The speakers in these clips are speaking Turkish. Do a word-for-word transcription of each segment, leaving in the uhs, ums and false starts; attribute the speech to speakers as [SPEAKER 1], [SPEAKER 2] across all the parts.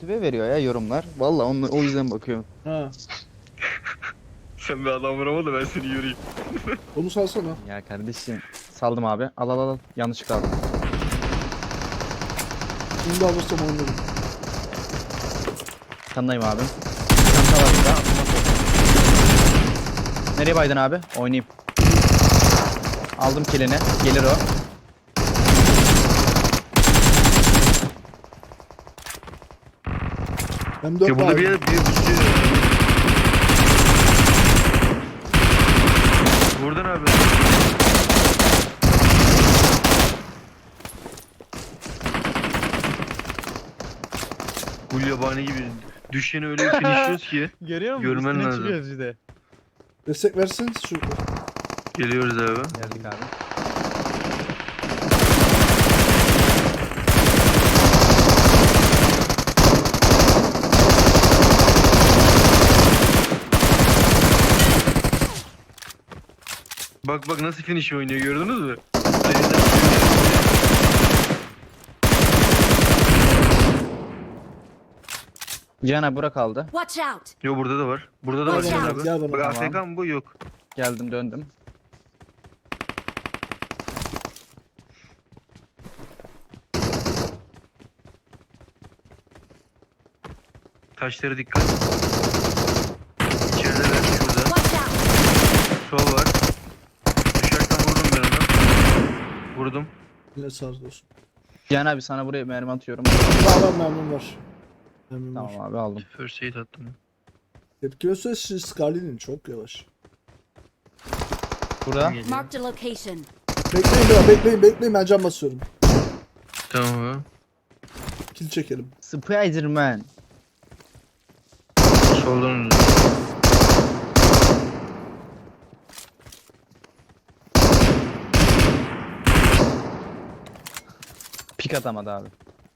[SPEAKER 1] motive veriyor ya yorumlar. Vallahi onu, o yüzden bakıyorum.
[SPEAKER 2] Ha.
[SPEAKER 3] Sen bir adam vurama da ben seni yürüyeyim.
[SPEAKER 2] Onu salsana.
[SPEAKER 1] Ya kardeşim saldım abi. Al al al. Yanlışlıkla aldım.
[SPEAKER 2] Bunu da alırsam oynarım.
[SPEAKER 1] Kanındayım abi. Çanta var burada. Nereye baydın abi? Oynayayım. Aldım kilini. Gelir o.
[SPEAKER 2] Hem dört
[SPEAKER 3] Ya burada
[SPEAKER 2] var.
[SPEAKER 3] bir yer bir bir şey. Buradan abi. Bu yabani gibi düşeni öyle bir finishliyoruz ki.
[SPEAKER 1] Görüyor
[SPEAKER 3] musun? Görmen Üstüne lazım. çıkıyoruz
[SPEAKER 1] işte.
[SPEAKER 2] Destek verseniz şu.
[SPEAKER 3] Geliyoruz abi.
[SPEAKER 1] Geldik abi.
[SPEAKER 3] Bak bak nasıl finish oynuyor gördünüz mü?
[SPEAKER 1] Cihan abi bura kaldı.
[SPEAKER 4] Watch out!
[SPEAKER 3] Yo burada da var. Burada da var
[SPEAKER 2] Gel
[SPEAKER 3] Cihan
[SPEAKER 2] bana,
[SPEAKER 3] abi.
[SPEAKER 2] gel bana.
[SPEAKER 3] Bak
[SPEAKER 1] Tamam.
[SPEAKER 3] A F K mı bu? Yok.
[SPEAKER 1] Geldim döndüm.
[SPEAKER 3] Taşlara dikkat. İçerideler şurada.
[SPEAKER 4] Watch out!
[SPEAKER 3] Sol var. Düşerken vurdum ben onu. Vurdum.
[SPEAKER 2] Yine sağ olsun.
[SPEAKER 1] Cihan abi sana buraya mermi atıyorum.
[SPEAKER 2] Var var memnun var. Memnun var.
[SPEAKER 1] Tamam abi aldım.
[SPEAKER 3] First aid attım.
[SPEAKER 2] Tepkime süresi Scarlet'in çok yavaş.
[SPEAKER 1] Burada.
[SPEAKER 3] Geliyor.
[SPEAKER 4] Marked a location.
[SPEAKER 2] Bekleyin biraz bekleyin bekleyin ben cam basıyorum.
[SPEAKER 3] Tamam abi.
[SPEAKER 2] Kill çekelim.
[SPEAKER 1] Spiderman.
[SPEAKER 3] Soldan önce.
[SPEAKER 1] Pik atamadı abi.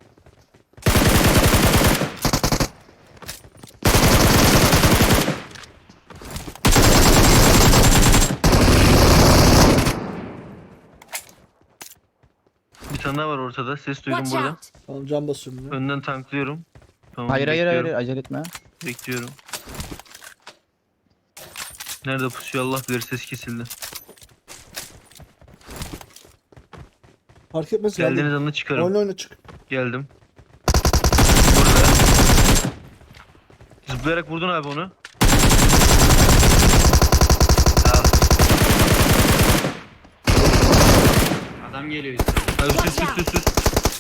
[SPEAKER 3] Bir tane daha var ortada. Ses duydum
[SPEAKER 4] Watch
[SPEAKER 3] burada.
[SPEAKER 4] out!
[SPEAKER 2] Tamam cam basıyorum ya.
[SPEAKER 3] Önden tanklıyorum. Tamam,
[SPEAKER 1] Hayır hayır hayır
[SPEAKER 3] bekliyorum.
[SPEAKER 1] acele etme.
[SPEAKER 3] Bekliyorum. Nerede pusuyor Allah bilir ses kesildi.
[SPEAKER 2] Fark etmez
[SPEAKER 3] Geldiğiniz
[SPEAKER 2] geldim.
[SPEAKER 3] anda çıkarım.
[SPEAKER 2] Oyna oyna çık.
[SPEAKER 3] Geldim. Burada. Zıplayarak vurdun abi onu. Al.
[SPEAKER 5] Adam geliyor.
[SPEAKER 3] Abi üst üst üst üst üst.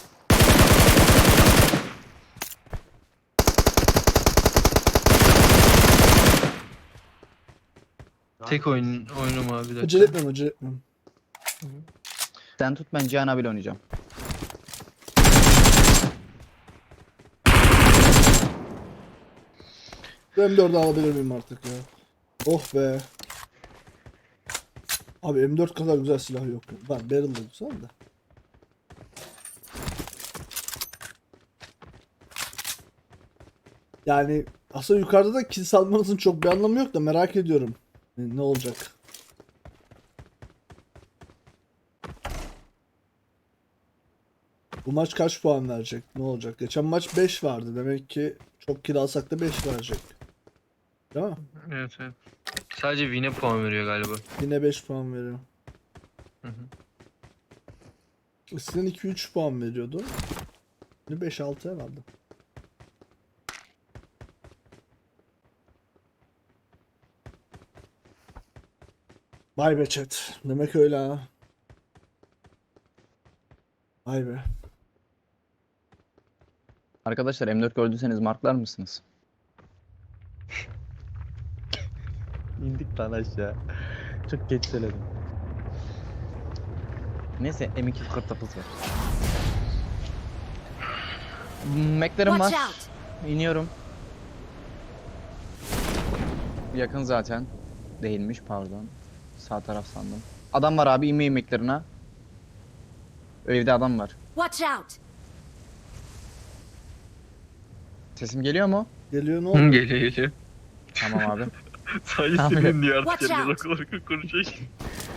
[SPEAKER 3] Tek oyun oyunum abi bir dakika.
[SPEAKER 2] Acele etmem acele etmem.
[SPEAKER 1] Sen tut ben Cihan abiyle oynayacağım.
[SPEAKER 2] M dördü alabilir miyim artık ya? Oh be. Abi M dört kadar güzel silah yok. Var barrel da güzel de. Yani aslında yukarıda da kill salmanızın çok bir anlamı yok da merak ediyorum. Ne ne olacak? Bu maç kaç puan verecek? Ne olacak? Geçen maç beş vardı. Demek ki çok kill alsak da beş verecek. Değil mi?
[SPEAKER 3] Evet evet. Sadece win'e puan veriyor galiba.
[SPEAKER 2] Yine beş puan veriyor.
[SPEAKER 3] Hı hı.
[SPEAKER 2] Eskiden iki üç puan veriyordu. Şimdi beş altı herhalde. Vay be chat. Demek öyle ha. Vay be.
[SPEAKER 1] Arkadaşlar M dört gördüyseniz marklar mısınız? İndik lan aşağı. Çok geç söyledim. Neyse M iki kartapız var. Mac'lerim var.
[SPEAKER 4] Watch out!
[SPEAKER 1] İniyorum. Yakın zaten. Değilmiş pardon. Sağ taraf sandım. Adam var abi inmeyin Mac'lerine. Evde adam var.
[SPEAKER 4] Watch out!
[SPEAKER 1] Sesim geliyor mu?
[SPEAKER 2] Geliyor ne
[SPEAKER 3] Hı,
[SPEAKER 2] oldu?
[SPEAKER 3] geliyor geliyor.
[SPEAKER 1] Tamam abi.
[SPEAKER 3] Sadece
[SPEAKER 1] Tamam.
[SPEAKER 3] senin diye artık
[SPEAKER 4] Watch
[SPEAKER 3] kendine
[SPEAKER 4] out.
[SPEAKER 3] olarak konuşuyor.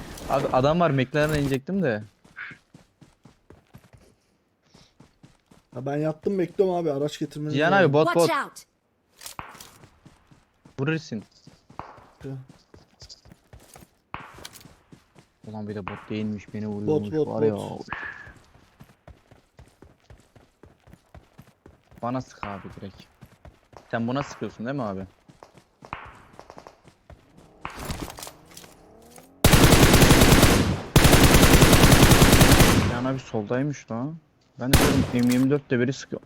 [SPEAKER 1] Abi adam var McLaren'a inecektim de.
[SPEAKER 2] Ya ben yattım bekliyorum abi araç getirmeniz
[SPEAKER 1] Cihan
[SPEAKER 2] lazım.
[SPEAKER 1] abi bot bot.
[SPEAKER 4] Watch out!
[SPEAKER 1] Vurursun.
[SPEAKER 2] Ya.
[SPEAKER 1] Ulan bir de bot değilmiş beni vuruyormuş
[SPEAKER 2] bot,
[SPEAKER 1] var ya.
[SPEAKER 2] bot.
[SPEAKER 1] Bana sık abi direkt. Sen buna sıkıyorsun değil mi abi? Cihan abi soldaymış lan. Ben de diyorum M yirmi dört de biri sıkıyor.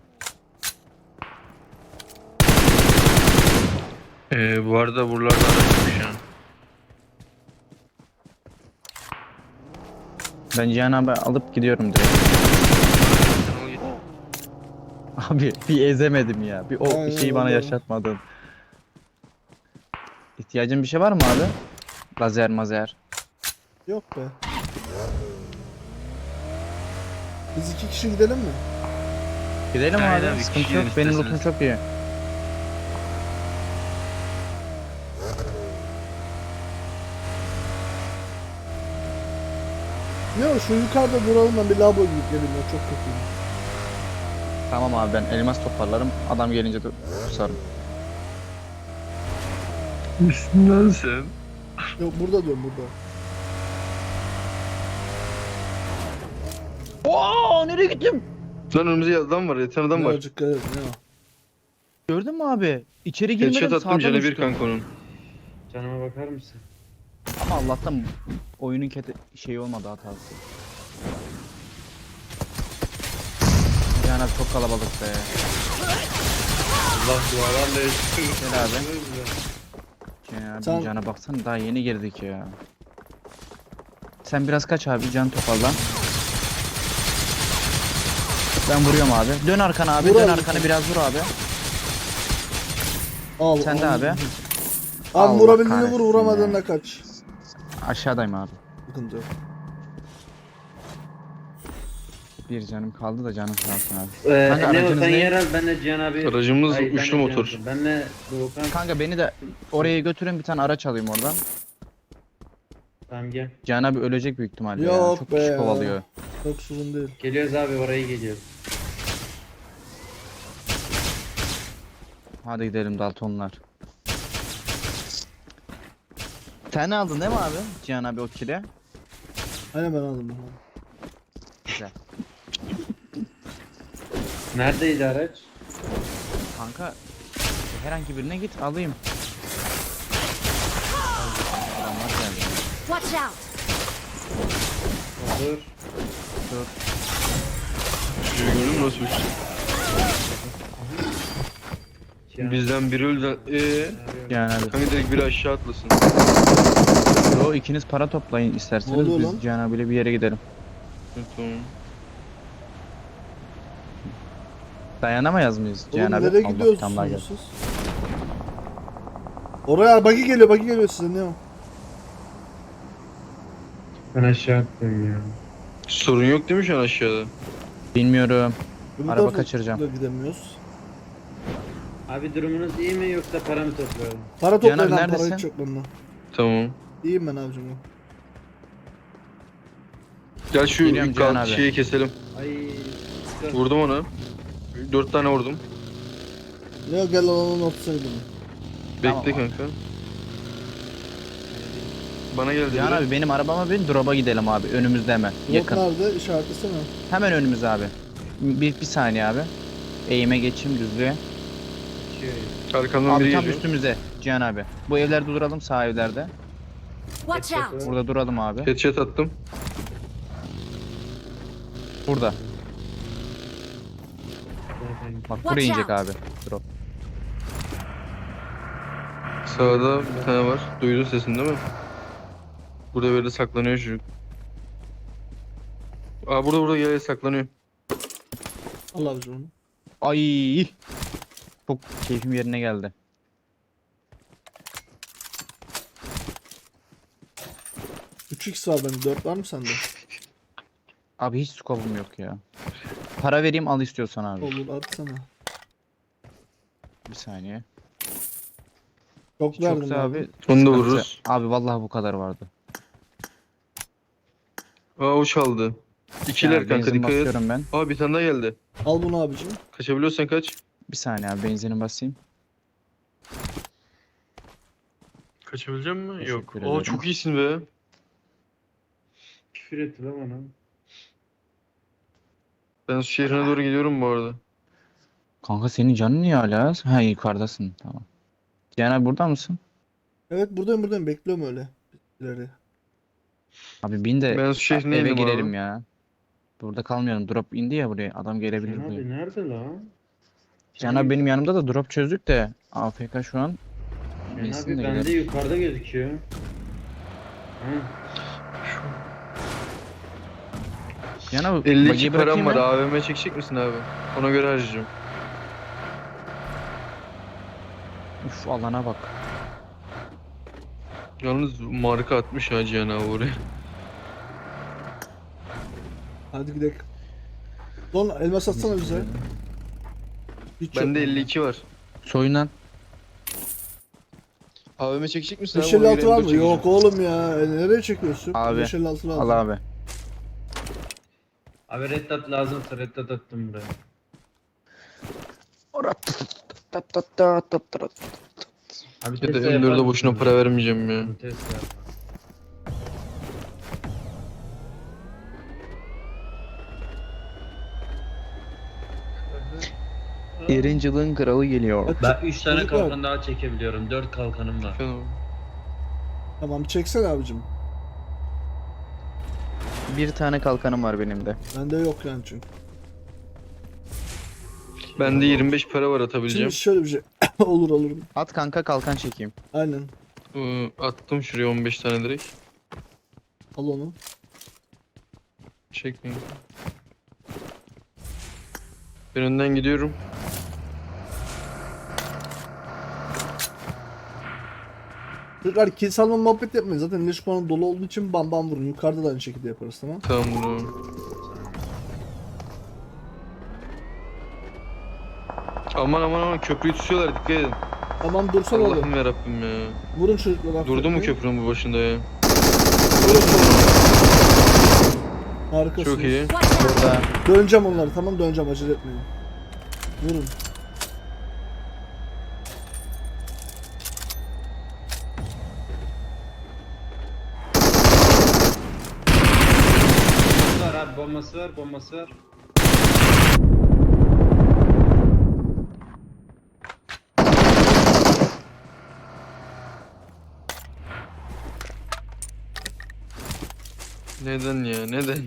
[SPEAKER 3] Ee, bu arada buralarda araçmış ya.
[SPEAKER 1] Ben Cihan abi alıp gidiyorum direkt.
[SPEAKER 3] Sen al git.
[SPEAKER 1] Abi bir ezemedim ya. Bir o
[SPEAKER 2] Aynen
[SPEAKER 1] şeyi bana
[SPEAKER 2] öyle.
[SPEAKER 1] yaşatmadın. İhtiyacın bir şey var mı abi? Lazer mazer.
[SPEAKER 2] Yok be. Biz iki kişi gidelim mi?
[SPEAKER 1] Gidelim
[SPEAKER 3] Aynen,
[SPEAKER 1] abi.
[SPEAKER 3] bir
[SPEAKER 1] Sıkıntı
[SPEAKER 3] kişi
[SPEAKER 1] yok. Benim
[SPEAKER 3] isterseniz.
[SPEAKER 1] lootum çok iyi.
[SPEAKER 2] Ne o şu yukarıda duralım ben bir labo gidip geleyim ya çok kötüyüm.
[SPEAKER 1] Tamam abi ben elmas toparlarım. Adam gelince de kusarım.
[SPEAKER 3] Üstünden sen.
[SPEAKER 2] Yok burada diyorum burada.
[SPEAKER 1] Oo nereye gittim?
[SPEAKER 3] Lan önümüzde adam var, yatan adam var.
[SPEAKER 2] Birazcık dikkat edin ya.
[SPEAKER 1] Gördün mü abi? İçeri girmedim
[SPEAKER 3] Headshot attım
[SPEAKER 1] sağdan
[SPEAKER 3] canı bir
[SPEAKER 1] uçtum.
[SPEAKER 3] kanka onun.
[SPEAKER 5] Canıma bakar mısın?
[SPEAKER 1] Ama Allah'tan oyunun kete şeyi olmadı hatası. Yani abi çok kalabalık be.
[SPEAKER 5] Allah dualarla yaşıyor.
[SPEAKER 1] Gel abi. Ya abi
[SPEAKER 2] Sen-
[SPEAKER 1] cana baksana daha yeni girdik ya. Sen biraz kaç abi can toparla. Ben vuruyorum abi. Dön arkana abi.
[SPEAKER 2] Vur
[SPEAKER 1] Dön
[SPEAKER 2] abi
[SPEAKER 1] arkana
[SPEAKER 2] sen.
[SPEAKER 1] biraz vur abi.
[SPEAKER 2] Al.
[SPEAKER 1] Sen de
[SPEAKER 2] al.
[SPEAKER 1] abi.
[SPEAKER 2] Abi
[SPEAKER 1] Allah
[SPEAKER 2] vurabildiğini vur
[SPEAKER 1] kahretsin
[SPEAKER 2] vuramadığına
[SPEAKER 1] ya.
[SPEAKER 2] kaç.
[SPEAKER 1] Aşağıdayım abi.
[SPEAKER 2] Sıkıntı yok.
[SPEAKER 1] Bir canım kaldı da canım sağ olsun abi.
[SPEAKER 5] Ee,
[SPEAKER 1] Kanka,
[SPEAKER 5] ne o
[SPEAKER 1] aracınız
[SPEAKER 5] sen
[SPEAKER 1] ne?
[SPEAKER 5] yer al benle Cihan abi.
[SPEAKER 3] Aracımız
[SPEAKER 5] Ay, benle
[SPEAKER 3] uçlu
[SPEAKER 5] Cihan
[SPEAKER 3] motor.
[SPEAKER 5] abi. Benle Doğukan.
[SPEAKER 1] Kanka beni de oraya götürün bir tane araç alayım oradan.
[SPEAKER 5] Tamam gel.
[SPEAKER 1] Can abi ölecek büyük ihtimalle ya.
[SPEAKER 2] Yok
[SPEAKER 1] Çok
[SPEAKER 2] be
[SPEAKER 1] kişi
[SPEAKER 2] ya.
[SPEAKER 1] kovalıyor.
[SPEAKER 2] Çok sorun değil.
[SPEAKER 5] Geliyoruz abi oraya geliyoruz.
[SPEAKER 1] Hadi gidelim Daltonlar. Sen aldın değil mi abi? Cihan abi o kile.
[SPEAKER 2] Aynen ben aldım. ben.
[SPEAKER 1] Güzel.
[SPEAKER 5] Neredeydi araç?
[SPEAKER 1] Kanka herhangi birine git alayım. Adamlar geldi.
[SPEAKER 4] Watch out!
[SPEAKER 5] Olur.
[SPEAKER 1] Dur.
[SPEAKER 3] Şurayı gördün mü nasıl uçtu?
[SPEAKER 5] Cihan
[SPEAKER 3] Bizden biri öldü. Eee?
[SPEAKER 5] arıyorum.
[SPEAKER 1] Cihan abi.
[SPEAKER 3] Kanka direkt biri aşağı atlasın.
[SPEAKER 1] Yo ikiniz para toplayın
[SPEAKER 2] Ne
[SPEAKER 1] isterseniz
[SPEAKER 2] oluyor
[SPEAKER 1] biz
[SPEAKER 2] lan?
[SPEAKER 1] Cihan abiyle bir yere gidelim.
[SPEAKER 3] Evet, tamam.
[SPEAKER 1] Dayanamayız mıyız Cihan
[SPEAKER 2] Oğlum
[SPEAKER 1] abi?
[SPEAKER 2] nereye
[SPEAKER 1] Allah tamlar gel.
[SPEAKER 2] gidiyorsunuz siz? Oraya buggy geliyor buggy geliyor size ne o?
[SPEAKER 5] Ben aşağı attım ya.
[SPEAKER 3] Sorun yok değil mi şu an aşağıda?
[SPEAKER 1] Bilmiyorum.
[SPEAKER 2] Öbür
[SPEAKER 1] Araba
[SPEAKER 2] tarafa
[SPEAKER 1] kaçıracağım.
[SPEAKER 2] da gidemiyoruz.
[SPEAKER 5] Abi durumunuz iyi mi yoksa para mı toplayalım?
[SPEAKER 2] Para
[SPEAKER 1] Cihan
[SPEAKER 2] toplayın
[SPEAKER 1] abi
[SPEAKER 2] lan para
[SPEAKER 1] neredesin?
[SPEAKER 2] hiç yok bende.
[SPEAKER 3] Tamam.
[SPEAKER 2] İyiyim ben abicim. ben.
[SPEAKER 3] Gel şu
[SPEAKER 1] Geliyorum Cihan
[SPEAKER 3] kal-
[SPEAKER 1] abi.
[SPEAKER 3] şeyi keselim.
[SPEAKER 5] Ay. sıkı.
[SPEAKER 3] Vurdum ona. Dört tane vurdum.
[SPEAKER 2] Ne o gel alanın ortasına gidelim.
[SPEAKER 1] Tamam
[SPEAKER 3] Bekle
[SPEAKER 1] abi.
[SPEAKER 3] kanka. Bana geldi
[SPEAKER 1] Cihan
[SPEAKER 3] biri.
[SPEAKER 1] abi benim arabama bin drop'a gidelim abi. Önümüzde hemen.
[SPEAKER 2] Yok
[SPEAKER 1] Yakın.
[SPEAKER 2] nerede? İşaretlesene.
[SPEAKER 1] Hemen önümüz abi. Bir, bir saniye abi. Eğime geçeyim düzlüğe.
[SPEAKER 5] Geçiyor.
[SPEAKER 3] Arkamdan
[SPEAKER 1] Abi
[SPEAKER 3] biri
[SPEAKER 1] tam
[SPEAKER 3] geliyor.
[SPEAKER 1] üstümüze Cihan abi. Bu evlerde duralım sağ evlerde.
[SPEAKER 4] Watch out!
[SPEAKER 1] Burada duralım abi.
[SPEAKER 3] Headshot attım.
[SPEAKER 1] Burada.
[SPEAKER 5] Zaten
[SPEAKER 1] Bak
[SPEAKER 4] Watch
[SPEAKER 1] buraya inecek
[SPEAKER 4] out.
[SPEAKER 1] abi. Drop.
[SPEAKER 3] Sağda bir tane var. Duydun sesini değil mi? Burada böyle saklanıyor çocuk. Aa burada burada gel saklanıyor.
[SPEAKER 2] Allah abicim onu.
[SPEAKER 1] Ay. Çok keyfim yerine geldi.
[SPEAKER 2] üç x var bende. dört var mı sende?
[SPEAKER 1] Abi hiç scope'um yok ya. Para vereyim al istiyorsan abi.
[SPEAKER 2] Olur atsana.
[SPEAKER 1] Bir saniye.
[SPEAKER 2] Çok
[SPEAKER 1] Hiç
[SPEAKER 2] verdim
[SPEAKER 1] yoksa abi.
[SPEAKER 3] Onu da
[SPEAKER 1] sıkıntı.
[SPEAKER 3] vururuz.
[SPEAKER 1] Abi vallahi bu kadar vardı.
[SPEAKER 3] Aa o çaldı. İkiler
[SPEAKER 1] Ya,
[SPEAKER 3] kanka
[SPEAKER 1] benzin
[SPEAKER 3] dikkat et.
[SPEAKER 1] basıyorum ben.
[SPEAKER 3] Aa bir tane daha geldi.
[SPEAKER 2] Al bunu abicim.
[SPEAKER 3] Kaçabiliyorsan kaç.
[SPEAKER 1] Bir saniye abi benzini basayım.
[SPEAKER 3] Kaçabilecek misin? Yok.
[SPEAKER 1] Teşekkür
[SPEAKER 3] Aa
[SPEAKER 1] ederim.
[SPEAKER 3] çok iyisin be.
[SPEAKER 5] Küfür etti lan bana.
[SPEAKER 3] Ben su şehrine doğru gidiyorum bu arada.
[SPEAKER 1] Kanka senin canın niye hala? Ha yukarıdasın tamam. Cihan abi burada mısın?
[SPEAKER 2] Evet buradayım buradayım. Bekliyorum öyle. İleri.
[SPEAKER 1] Abi bin de
[SPEAKER 3] Ben su şehrine
[SPEAKER 1] eve
[SPEAKER 3] indim
[SPEAKER 1] girelim
[SPEAKER 3] abi.
[SPEAKER 1] ya. Burada kalmayalım. Drop indi ya buraya. Adam gelebilir
[SPEAKER 5] Can
[SPEAKER 1] buraya.
[SPEAKER 5] abi nerede lan?
[SPEAKER 1] Cihan abi benim yanımda da drop çözdük de A F K şu an.
[SPEAKER 5] Can
[SPEAKER 1] Bilsin
[SPEAKER 5] abi
[SPEAKER 1] de
[SPEAKER 5] bende
[SPEAKER 1] gidelim.
[SPEAKER 5] yukarıda gözüküyor. Ha.
[SPEAKER 1] Cihan abi
[SPEAKER 3] elli iki
[SPEAKER 1] bagiyi
[SPEAKER 3] param
[SPEAKER 1] bırakayım
[SPEAKER 3] var.
[SPEAKER 1] mı?
[SPEAKER 3] A V M çekecek misin abi? Ona göre harcayacağım.
[SPEAKER 1] Uf alana bak.
[SPEAKER 3] Yalnız marka atmış ha Cihan abi oraya.
[SPEAKER 2] Hadi gidelim. Lan elmas atsana bize. Hiç
[SPEAKER 3] Bende
[SPEAKER 2] yok.
[SPEAKER 3] elli iki var.
[SPEAKER 1] Soyunan.
[SPEAKER 3] A V M çekecek misin abi?
[SPEAKER 2] beş elli
[SPEAKER 3] Ona
[SPEAKER 2] altı
[SPEAKER 3] göre
[SPEAKER 2] var
[SPEAKER 3] M
[SPEAKER 2] mı?
[SPEAKER 3] dört çekeceğim.
[SPEAKER 2] Yok oğlum ya. E, nereye çekiyorsun?
[SPEAKER 1] Abi,
[SPEAKER 2] beş elli altı lazım.
[SPEAKER 1] Al abi.
[SPEAKER 5] Abi reddat lazımsa reddat attım buraya. Abi
[SPEAKER 3] Ya da
[SPEAKER 5] Tesla
[SPEAKER 3] M
[SPEAKER 5] yapar
[SPEAKER 3] dörde boşuna
[SPEAKER 5] mısın?
[SPEAKER 3] para vermeyeceğim ya.
[SPEAKER 5] Tesla yapar.
[SPEAKER 1] Erincil'in kralı geliyor.
[SPEAKER 2] Bak,
[SPEAKER 5] Ben üç tane
[SPEAKER 2] çocuklar.
[SPEAKER 5] kalkan daha çekebiliyorum. dört kalkanım var.
[SPEAKER 3] Efendim?
[SPEAKER 2] Tamam çeksene abicim.
[SPEAKER 1] Bir tane kalkanım var benim de.
[SPEAKER 2] Bende yok yani çünkü.
[SPEAKER 3] Bende yirmi beş para var atabileceğim.
[SPEAKER 2] Şimdi şöyle bir şey. Olur olur.
[SPEAKER 1] At kanka kalkan çekeyim.
[SPEAKER 2] Aynen.
[SPEAKER 3] Ee, attım şuraya on beş tane direkt.
[SPEAKER 2] Al onu.
[SPEAKER 3] Çekmeyin. Ben önden gidiyorum.
[SPEAKER 2] Çocuklar kill salma muhabbet yapmayın. Zaten leş puanı dolu olduğu için bam bam vurun. Yukarıda da aynı şekilde yaparız tamam.
[SPEAKER 3] Tamam bro. Aman aman aman köprüyü tutuyorlar dikkat edin.
[SPEAKER 2] Tamam dursan oğlum.
[SPEAKER 3] Allah'ım yarabbim ya.
[SPEAKER 2] Vurun çocuklar.
[SPEAKER 3] Durdu mu
[SPEAKER 2] affetmeyin.
[SPEAKER 3] köprünün bu başında ya?
[SPEAKER 2] Harikasınız.
[SPEAKER 3] Çok iyi.
[SPEAKER 4] Watch out!
[SPEAKER 1] Burada.
[SPEAKER 2] Döneceğim onları tamam döneceğim acele etmeyin. Vurun.
[SPEAKER 5] Bombası var abi bombası var bombası var.
[SPEAKER 3] Neden ya neden?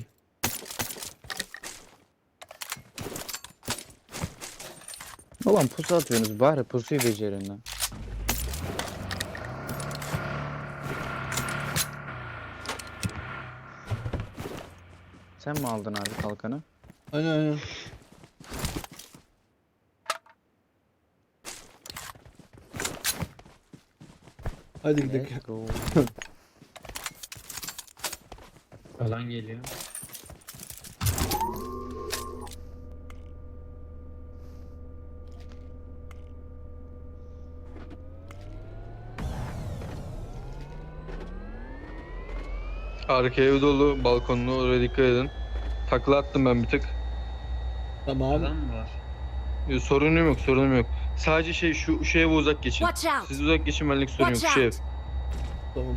[SPEAKER 1] Ulan pusu atıyorsunuz bari pusuyu becerin lan. Sen mi aldın abi kalkanı?
[SPEAKER 2] Aynen aynen. Hadi gidelim.
[SPEAKER 1] Let's go.
[SPEAKER 5] Alan geliyor.
[SPEAKER 3] Arka ev dolu balkonlu oraya dikkat edin. Takla attım ben bir tık.
[SPEAKER 2] Tamam.
[SPEAKER 5] Alan mı var?
[SPEAKER 3] Ee, Sorunum yok sorunum yok. Sadece şey şu, şu eve uzak geçin.
[SPEAKER 4] Watch out!
[SPEAKER 3] Siz uzak geçin benlik sorun yok
[SPEAKER 4] Watch
[SPEAKER 3] şu ev.
[SPEAKER 4] out!
[SPEAKER 2] Tamam.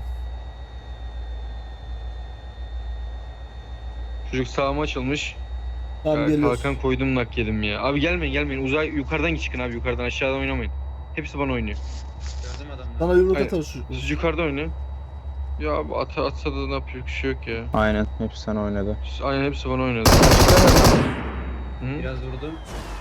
[SPEAKER 3] Çocuk sağıma açılmış.
[SPEAKER 2] Tamam
[SPEAKER 3] Ya,
[SPEAKER 2] geliyoruz.
[SPEAKER 3] kalkan koydum nak yedim ya. Abi gelmeyin gelmeyin uzay yukarıdan çıkın abi yukarıdan aşağıdan oynamayın. Hepsi bana oynuyor.
[SPEAKER 5] Gördüm adamları.
[SPEAKER 2] Sana yumruk
[SPEAKER 3] Aynen.
[SPEAKER 2] atarız çocuklar.
[SPEAKER 3] Siz yukarıda oynayın. Ya abi at, atsa da ne yapıyor bir şey yok ya.
[SPEAKER 1] Aynen hepsi sana oynadı.
[SPEAKER 3] Aynen hepsi bana oynadı. Hı?
[SPEAKER 5] Biraz vurdum.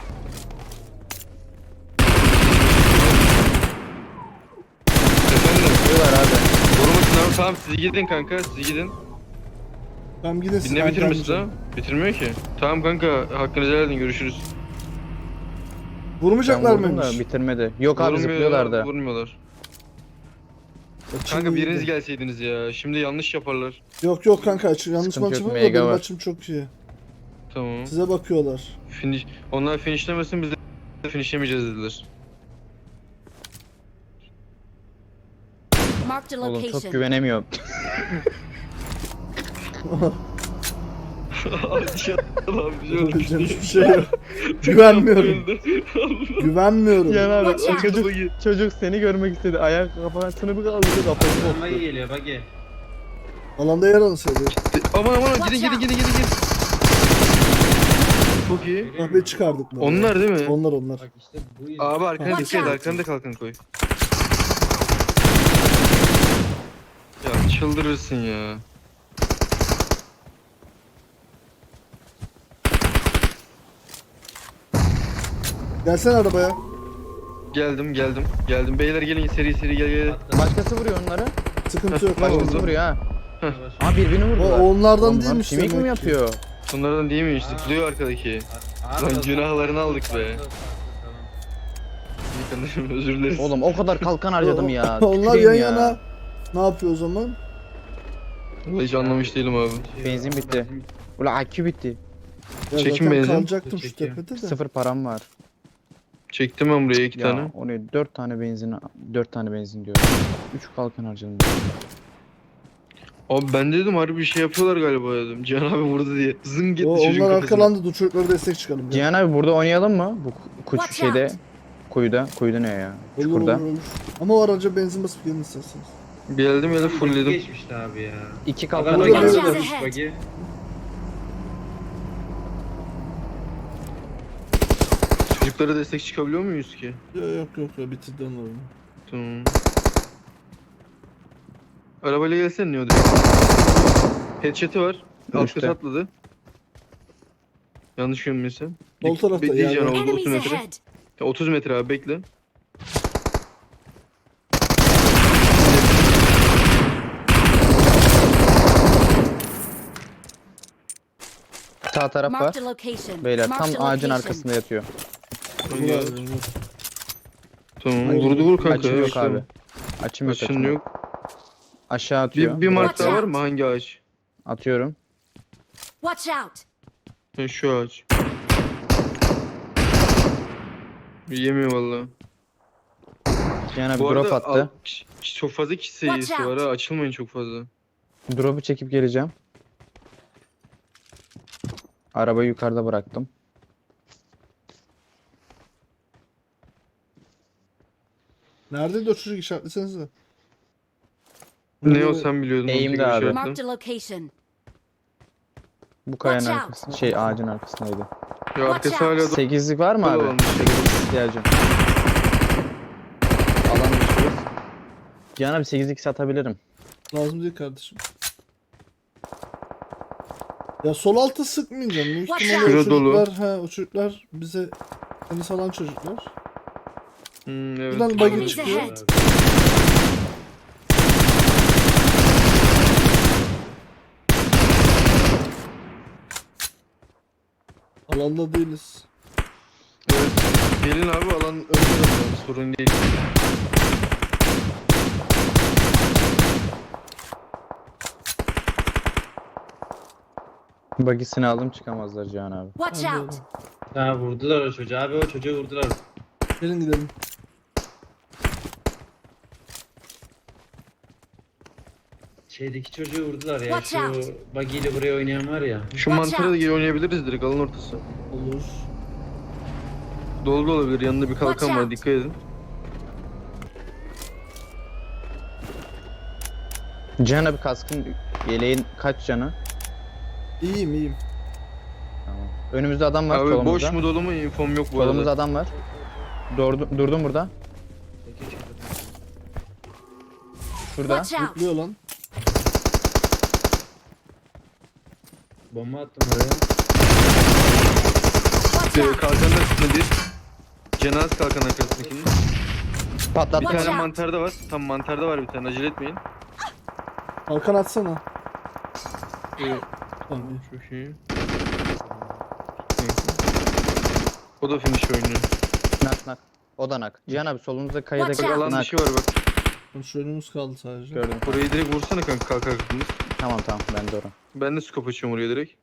[SPEAKER 3] Efendim
[SPEAKER 1] Diyorlar abi.
[SPEAKER 3] korumasın abi tamam siz gidin kanka siz gidin.
[SPEAKER 2] Tamam gidin siz.
[SPEAKER 3] Ne
[SPEAKER 2] ben
[SPEAKER 3] bitirmişsin
[SPEAKER 2] gelmeyeceğim.
[SPEAKER 3] ha? Bitirmiyor ki. Tamam kanka hakkınızı helal edin görüşürüz.
[SPEAKER 1] Ben
[SPEAKER 2] Vurmayacaklar
[SPEAKER 1] vurdum da
[SPEAKER 2] mıymış?
[SPEAKER 1] bitirmedi. Yok abi
[SPEAKER 3] Vurmuyor,
[SPEAKER 1] zıplıyorlardı.
[SPEAKER 3] Vurmuyorlar.
[SPEAKER 2] Açım
[SPEAKER 3] Kanka
[SPEAKER 2] iyiydi.
[SPEAKER 3] biriniz gelseydiniz ya. Şimdi yanlış yaparlar.
[SPEAKER 2] Yok yok kanka aç. Yanlış
[SPEAKER 1] Sıkıntı
[SPEAKER 2] maçım
[SPEAKER 1] yok,
[SPEAKER 2] var da
[SPEAKER 1] mega
[SPEAKER 2] benim
[SPEAKER 1] var.
[SPEAKER 2] maçım çok iyi.
[SPEAKER 3] Tamam.
[SPEAKER 2] Size bakıyorlar.
[SPEAKER 3] Finish. Onlar finishlemesin biz de finishlemeyeceğiz dediler.
[SPEAKER 4] Marked a
[SPEAKER 1] Oğlum çok
[SPEAKER 4] location.
[SPEAKER 1] güvenemiyorum.
[SPEAKER 2] Yapabileceğim hiçbir şey yok. Güvenmiyorum. Güvenmiyorum.
[SPEAKER 1] Cihan abi
[SPEAKER 4] Watch
[SPEAKER 1] o
[SPEAKER 4] out.
[SPEAKER 1] çocuk, çocuk seni görmek istedi. Ayak kafasını bir kaldırdı kafası
[SPEAKER 5] Bagi
[SPEAKER 1] koptu.
[SPEAKER 5] geliyor bagi.
[SPEAKER 2] Alanda yer alsaydı.
[SPEAKER 3] Aman aman
[SPEAKER 4] Watch
[SPEAKER 3] gidin gidin
[SPEAKER 4] out.
[SPEAKER 3] gidin gidin gidin. Çok iyi.
[SPEAKER 2] Kahve çıkardık. bunu.
[SPEAKER 3] Onlar değil mi?
[SPEAKER 2] Onlar onlar.
[SPEAKER 5] Bak işte bu yüzden.
[SPEAKER 3] Abi arkana
[SPEAKER 4] Watch
[SPEAKER 3] dikkat et,
[SPEAKER 4] out.
[SPEAKER 3] arkana da kalkan koy. Ya çıldırırsın ya.
[SPEAKER 2] Gelsene arabaya.
[SPEAKER 3] Geldim geldim geldim. Beyler gelin seri seri gel gel.
[SPEAKER 1] Başkası vuruyor onları.
[SPEAKER 2] Sıkıntı yok.
[SPEAKER 3] Başkası
[SPEAKER 1] Başkası
[SPEAKER 3] oldu.
[SPEAKER 1] vuruyor ha.
[SPEAKER 5] Yavaş.
[SPEAKER 1] Ha birbirini
[SPEAKER 2] O,
[SPEAKER 1] vurdular.
[SPEAKER 2] onlardan
[SPEAKER 1] Oğlum,
[SPEAKER 2] değilmiş
[SPEAKER 1] Kimik mi
[SPEAKER 2] demek ki.
[SPEAKER 1] yapıyor?
[SPEAKER 3] Bunlardan değil mi? Zıplıyor arkadaki.
[SPEAKER 5] Abi,
[SPEAKER 3] Lan
[SPEAKER 5] tamam.
[SPEAKER 3] günahlarını aldık be.
[SPEAKER 5] Tamam, tamam.
[SPEAKER 3] İyi kardeşim özür dileriz.
[SPEAKER 1] Oğlum o kadar kalkan harcadım ya.
[SPEAKER 2] Onlar
[SPEAKER 1] Tüküreyim
[SPEAKER 2] yan
[SPEAKER 1] ya.
[SPEAKER 2] yana. Ne yapıyor o zaman?
[SPEAKER 3] Vallahi hiç anlamış değilim abi.
[SPEAKER 1] Benzin bitti. Ula akü bitti.
[SPEAKER 2] Ya
[SPEAKER 3] Çekin
[SPEAKER 2] zaten
[SPEAKER 3] benzin.
[SPEAKER 2] kalacaktım şu
[SPEAKER 5] Çekiyor.
[SPEAKER 2] tepede de.
[SPEAKER 1] Sıfır param var.
[SPEAKER 3] Çektim ben buraya iki
[SPEAKER 1] Ya
[SPEAKER 3] tane.
[SPEAKER 1] o ne? Dört tane benzin, dört tane benzin diyorum. Üç kalkan harcadım.
[SPEAKER 3] Abi ben dedim harbi bir şey yapıyorlar galiba dedim. Cihan abi vurdu diye. Zın gitti
[SPEAKER 2] O,
[SPEAKER 3] çocuğun
[SPEAKER 2] onlar
[SPEAKER 3] kafasına.
[SPEAKER 2] arkalandı. Dur çocuklara destek çıkalım. ya.
[SPEAKER 1] Cihan abi burada oynayalım mı? Bu kuş
[SPEAKER 4] Watch
[SPEAKER 1] şeyde.
[SPEAKER 4] out.
[SPEAKER 1] Kuyuda. Kuyuda ne ya?
[SPEAKER 2] Olur,
[SPEAKER 1] Çukurda.
[SPEAKER 2] olur, olur. Ama o araca benzin basıp gelin isterseniz.
[SPEAKER 3] Geldim geldim
[SPEAKER 5] Bagi
[SPEAKER 3] fullledim.
[SPEAKER 5] geçmişti abi ya.
[SPEAKER 1] İki
[SPEAKER 5] Bak
[SPEAKER 1] kalkan
[SPEAKER 5] araba
[SPEAKER 2] Burada
[SPEAKER 4] Watch
[SPEAKER 2] böyle-
[SPEAKER 4] out
[SPEAKER 5] geçmiş
[SPEAKER 4] ahead.
[SPEAKER 5] bagi.
[SPEAKER 3] Çocuklara destek çıkabiliyor muyuz ki?
[SPEAKER 2] Yok yok yok, yok bitirdi onları.
[SPEAKER 3] Tamam. Arabayla gelsene ne o Headshot'ı var. Alt
[SPEAKER 1] Üstte.
[SPEAKER 3] kata atladı. Yanlış görmüyorsam.
[SPEAKER 2] Sol tarafta
[SPEAKER 3] Bekleyeceğim
[SPEAKER 2] yani.
[SPEAKER 3] oldu otuz
[SPEAKER 4] Enemies
[SPEAKER 3] metre.
[SPEAKER 4] ahead.
[SPEAKER 3] Ya otuz metre abi bekle.
[SPEAKER 1] Sağ taraf var.
[SPEAKER 4] Marked a location.
[SPEAKER 1] Beyler
[SPEAKER 4] Marked
[SPEAKER 1] tam
[SPEAKER 4] a
[SPEAKER 1] ağacın
[SPEAKER 4] location.
[SPEAKER 1] arkasında yatıyor.
[SPEAKER 3] Hangi
[SPEAKER 2] Vur
[SPEAKER 3] abi?
[SPEAKER 2] abi, vur.
[SPEAKER 3] Tamam
[SPEAKER 2] Hayır,
[SPEAKER 3] vurdu vur kanka.
[SPEAKER 1] Açım
[SPEAKER 3] ya,
[SPEAKER 1] yok
[SPEAKER 3] işte.
[SPEAKER 1] abi. Açım yok
[SPEAKER 3] Açın
[SPEAKER 1] açım yok.
[SPEAKER 3] yok.
[SPEAKER 1] Aşağı atıyor.
[SPEAKER 3] Bir, bir mark
[SPEAKER 4] Watch
[SPEAKER 3] daha var
[SPEAKER 4] out.
[SPEAKER 3] mı? Hangi ağaç?
[SPEAKER 1] Atıyorum.
[SPEAKER 4] Watch out.
[SPEAKER 3] Ha, şu ağaç. Yemiyor valla.
[SPEAKER 1] Cihan abi
[SPEAKER 3] Bu
[SPEAKER 1] drop
[SPEAKER 3] arada
[SPEAKER 1] attı.
[SPEAKER 3] al- ç- çok fazla kişi sayısı
[SPEAKER 4] Watch
[SPEAKER 3] var
[SPEAKER 4] out.
[SPEAKER 3] ha. Açılmayın çok fazla.
[SPEAKER 1] Drop'u çekip geleceğim. Arabayı yukarıda bıraktım.
[SPEAKER 2] Nerede o çocuk işaretlesenize.
[SPEAKER 3] Ne o sen biliyordun. onu
[SPEAKER 1] Eğimde
[SPEAKER 3] tekrar
[SPEAKER 1] abi.
[SPEAKER 3] şey yaptın.
[SPEAKER 4] Marked a location.
[SPEAKER 1] Bu kayanın
[SPEAKER 4] Watch out.
[SPEAKER 1] arkasında, şey ağacın arkasındaydı.
[SPEAKER 3] Ya arkası
[SPEAKER 4] Watch
[SPEAKER 3] hala
[SPEAKER 4] out.
[SPEAKER 3] da
[SPEAKER 1] Sekizlik var mı abi?
[SPEAKER 3] Tamam.
[SPEAKER 1] Sekizlik ihtiyacım. Alan düşüyoruz. Cihan abi sekizlik satabilirim.
[SPEAKER 2] Lazım değil kardeşim. Ya sol altı sıkmayacağım. Büyük
[SPEAKER 4] Watch
[SPEAKER 2] ihtimalle o
[SPEAKER 3] out. Şura dolu.
[SPEAKER 2] çocuklar, ha, o çocuklar bize seni salan çocuklar.
[SPEAKER 3] Hmm, evet.
[SPEAKER 2] Buradan buggy
[SPEAKER 4] Enemies
[SPEAKER 2] çıkıyor.
[SPEAKER 4] ahead.
[SPEAKER 2] Alanda değiliz.
[SPEAKER 3] Evet. Gelin abi alan önde zaten sorun değil.
[SPEAKER 1] Bagisini aldım çıkamazlar Cihan abi.
[SPEAKER 4] Watch
[SPEAKER 2] Hadi
[SPEAKER 4] out.
[SPEAKER 2] oğlum.
[SPEAKER 5] Ha vurdular o çocuğu abi o çocuğu vurdular.
[SPEAKER 2] Gelin gidelim.
[SPEAKER 5] Şeydeki çocuğu vurdular ya.
[SPEAKER 4] Watch
[SPEAKER 5] Şu
[SPEAKER 4] out.
[SPEAKER 5] buggy ile buraya oynayan var ya.
[SPEAKER 3] Şu
[SPEAKER 4] Watch
[SPEAKER 3] mantara da
[SPEAKER 4] out.
[SPEAKER 3] geri oynayabiliriz direkt alan ortası.
[SPEAKER 2] Olur.
[SPEAKER 3] Dolu da olabilir yanında bir kalkan
[SPEAKER 4] Watch
[SPEAKER 3] var
[SPEAKER 4] out.
[SPEAKER 3] dikkat edin.
[SPEAKER 1] Cihan abi kaskın yeleğin kaç canı?
[SPEAKER 2] İyiyim iyiyim.
[SPEAKER 1] Tamam. Önümüzde adam var
[SPEAKER 3] Abi
[SPEAKER 1] solumuzda.
[SPEAKER 3] boş mu dolu mu infom yok bu
[SPEAKER 1] Solumuzda
[SPEAKER 3] arada.
[SPEAKER 1] adam var. Durdu, durdum burada. Şurada.
[SPEAKER 4] Watch out.
[SPEAKER 2] Zıplıyor lan.
[SPEAKER 5] Bomba attım oraya.
[SPEAKER 4] Watch
[SPEAKER 3] Ee,
[SPEAKER 4] out.
[SPEAKER 3] kalkanın arkasında bir. Cenaz kalkan arkasındakinin. Bir
[SPEAKER 1] Patlattı.
[SPEAKER 4] Watch
[SPEAKER 3] tane
[SPEAKER 4] out.
[SPEAKER 3] mantarda var. Tam mantarda var bir tane acele etmeyin.
[SPEAKER 2] Kalkan atsana.
[SPEAKER 3] Ee,
[SPEAKER 2] Tamam iyi.
[SPEAKER 3] çok iyi. O da finish oynuyor.
[SPEAKER 1] Nak nak. O da nak. Cihan abi solumuzda kayada
[SPEAKER 4] Watch
[SPEAKER 3] Bak
[SPEAKER 4] out.
[SPEAKER 3] alan
[SPEAKER 1] nak.
[SPEAKER 3] dışı var bak.
[SPEAKER 2] Tamam, şu önümüz kaldı sadece.
[SPEAKER 1] Gördüm.
[SPEAKER 3] Orayı direkt vursana kanka kalk kalkınız.
[SPEAKER 1] Tamam tamam ben de oraya.
[SPEAKER 3] Ben de scope açıyorum oraya direkt.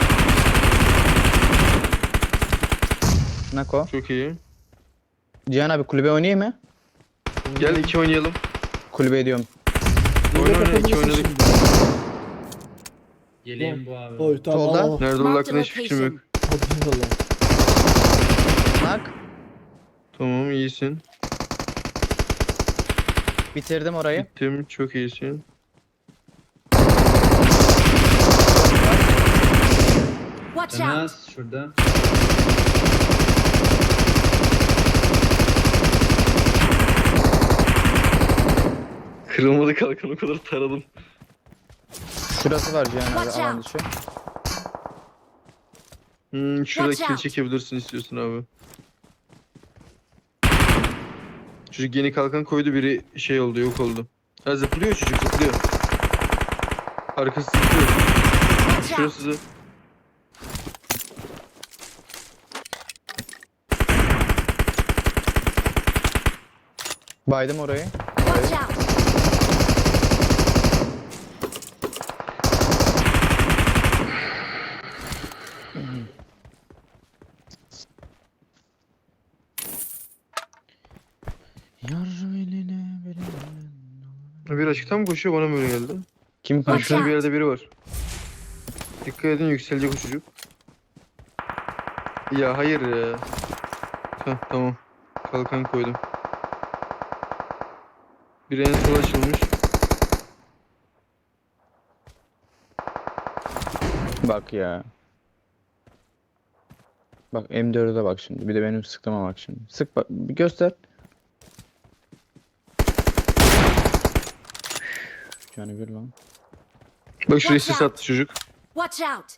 [SPEAKER 1] Nako.
[SPEAKER 3] Çok iyi.
[SPEAKER 1] Cihan abi kulübe oynayayım mı?
[SPEAKER 3] Gel iki oynayalım.
[SPEAKER 1] Kulübe ediyorum.
[SPEAKER 3] Oyna oyna iki
[SPEAKER 2] Kapatabilirsin
[SPEAKER 3] oynadık.
[SPEAKER 2] şimdi.
[SPEAKER 5] Yeleğim bu abi.
[SPEAKER 2] Oy tamam.
[SPEAKER 1] Solda.
[SPEAKER 2] al, al.
[SPEAKER 3] Nerede olduğu
[SPEAKER 4] Marked a
[SPEAKER 3] hakkında hiçbir fikrim yok.
[SPEAKER 4] location.
[SPEAKER 2] Hadi bakalım.
[SPEAKER 1] Nak.
[SPEAKER 3] Tamam iyisin.
[SPEAKER 1] Bitirdim orayı.
[SPEAKER 3] Gittim çok iyisin.
[SPEAKER 4] Watch out!
[SPEAKER 5] Enes şurada.
[SPEAKER 3] Kırılmadı kalkan o kadar taradım.
[SPEAKER 1] Şurası var Cihan abi
[SPEAKER 4] Watch
[SPEAKER 1] alan
[SPEAKER 4] out.
[SPEAKER 1] dışı.
[SPEAKER 3] Hmm, şurada
[SPEAKER 4] Watch
[SPEAKER 3] kill
[SPEAKER 4] out.
[SPEAKER 3] çekebilirsin istiyorsun abi. Çocuk yeni kalkan koydu, biri şey oldu, yok oldu. Ha zıplıyor çocuk, zıplıyor. Arkası zıplıyor.
[SPEAKER 4] Watch out!
[SPEAKER 3] Şurası zı-
[SPEAKER 1] Baydım orayı.
[SPEAKER 4] Watch out!
[SPEAKER 1] Yar eline beline.
[SPEAKER 3] Bir açıktan mı koşuyor, bana mı öyle geldi?
[SPEAKER 1] Kim
[SPEAKER 3] Ha,
[SPEAKER 1] koşuyor?
[SPEAKER 3] şurada bir yerde biri var. Dikkat edin, yükselecek o çocuk. Ya hayır ya. Heh, tamam. Kalkan koydum. Biri en sola açılmış.
[SPEAKER 1] Bak ya. Bak M dörde bak şimdi. Bir de benim sıktığıma bak şimdi. Sık bak. Bir göster. Yani bir lan.
[SPEAKER 3] Bak şuraya
[SPEAKER 4] Watch
[SPEAKER 3] sis
[SPEAKER 4] out.
[SPEAKER 3] attı çocuk.
[SPEAKER 4] Watch out!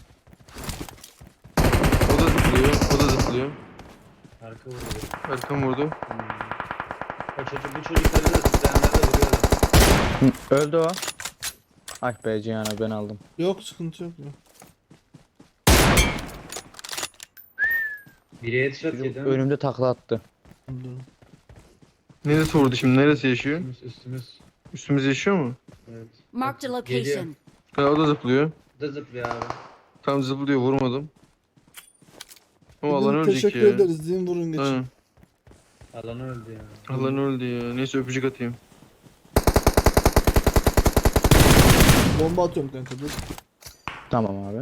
[SPEAKER 3] O da zıplıyor, o da zıplıyor.
[SPEAKER 5] Arka vuruyor.
[SPEAKER 3] Arkam vurdu.
[SPEAKER 5] Hmm. O çocuk bu çocukları da zıplayanlar da vuruyorlar.
[SPEAKER 1] Hı, öldü o. Ay be Cihan abi ben aldım.
[SPEAKER 2] Yok sıkıntı yok. yok.
[SPEAKER 5] Biri headshot
[SPEAKER 1] Çocuk
[SPEAKER 5] yedi.
[SPEAKER 1] önümde takla attı.
[SPEAKER 2] Dur.
[SPEAKER 3] Neresi vurdu şimdi? Neresi yaşıyor?
[SPEAKER 5] Üstümüz üstümüz.
[SPEAKER 3] Üstümüz yaşıyor mu?
[SPEAKER 5] Evet.
[SPEAKER 4] Marked a
[SPEAKER 5] Geliyor.
[SPEAKER 4] location.
[SPEAKER 3] Ha, o da zıplıyor.
[SPEAKER 5] Bu da zıplıyor abi.
[SPEAKER 3] Tam zıplıyor, vurmadım. Ama alan
[SPEAKER 2] Gidin,
[SPEAKER 3] ölecek
[SPEAKER 2] teşekkür
[SPEAKER 3] ya.
[SPEAKER 2] ederiz. Din vurun geçin.
[SPEAKER 3] Aynen.
[SPEAKER 5] Alan öldü ya.
[SPEAKER 3] Alan öldü ya. Neyse öpücük atayım.
[SPEAKER 2] Bomba atıyorum kanka dur.
[SPEAKER 1] Tamam abi.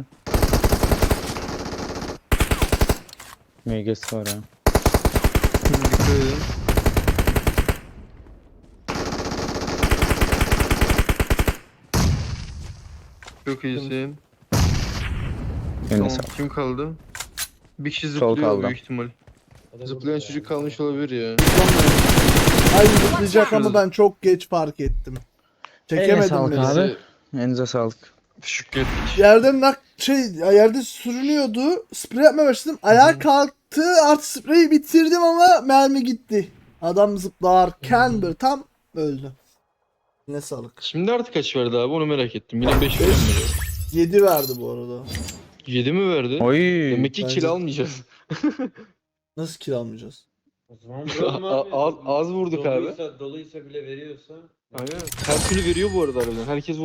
[SPEAKER 1] M G'si var ha.
[SPEAKER 3] Dikkat edin. Çok iyisin.
[SPEAKER 1] Eline
[SPEAKER 3] Tamam,
[SPEAKER 1] sağlık.
[SPEAKER 3] kim kaldı? Bir kişi
[SPEAKER 1] Sol
[SPEAKER 3] zıplıyor
[SPEAKER 1] kaldı.
[SPEAKER 3] büyük ihtimal.
[SPEAKER 5] O da
[SPEAKER 3] Zıplayan
[SPEAKER 5] vurdu
[SPEAKER 3] çocuk
[SPEAKER 5] ya.
[SPEAKER 3] kalmış olabilir ya.
[SPEAKER 2] Ay zıplayacak ama
[SPEAKER 3] Şurası.
[SPEAKER 2] ben çok geç fark ettim.
[SPEAKER 1] Eline
[SPEAKER 2] Çekemedim
[SPEAKER 1] sağlık
[SPEAKER 2] beni.
[SPEAKER 1] abi. Elinize sağlık.
[SPEAKER 3] Teşekkür ettik.
[SPEAKER 2] Yerden nak şey yerde sürünüyordu. Sprey yapmaya başladım. Ayağa kalktı. Artık spreyi bitirdim ama mermi gitti. Adam zıplarken bir tam öldü. Ne sağlık.
[SPEAKER 3] Şimdi artık kaç verdi abi, onu merak ettim. Yine beş verdi.
[SPEAKER 2] yedi verdi bu arada.
[SPEAKER 3] yedi mi verdi?
[SPEAKER 1] Oy.
[SPEAKER 3] Demek ki
[SPEAKER 2] Bence-
[SPEAKER 3] kill almayacağız.
[SPEAKER 2] Nasıl kill almayacağız?
[SPEAKER 5] O zaman vuralım
[SPEAKER 3] A-
[SPEAKER 5] abi.
[SPEAKER 3] az- az vurduk abi.
[SPEAKER 5] doluysa, Doluysa bile veriyorsa.
[SPEAKER 3] Aynen. Her türlü veriyor bu arada harbiden. Herkes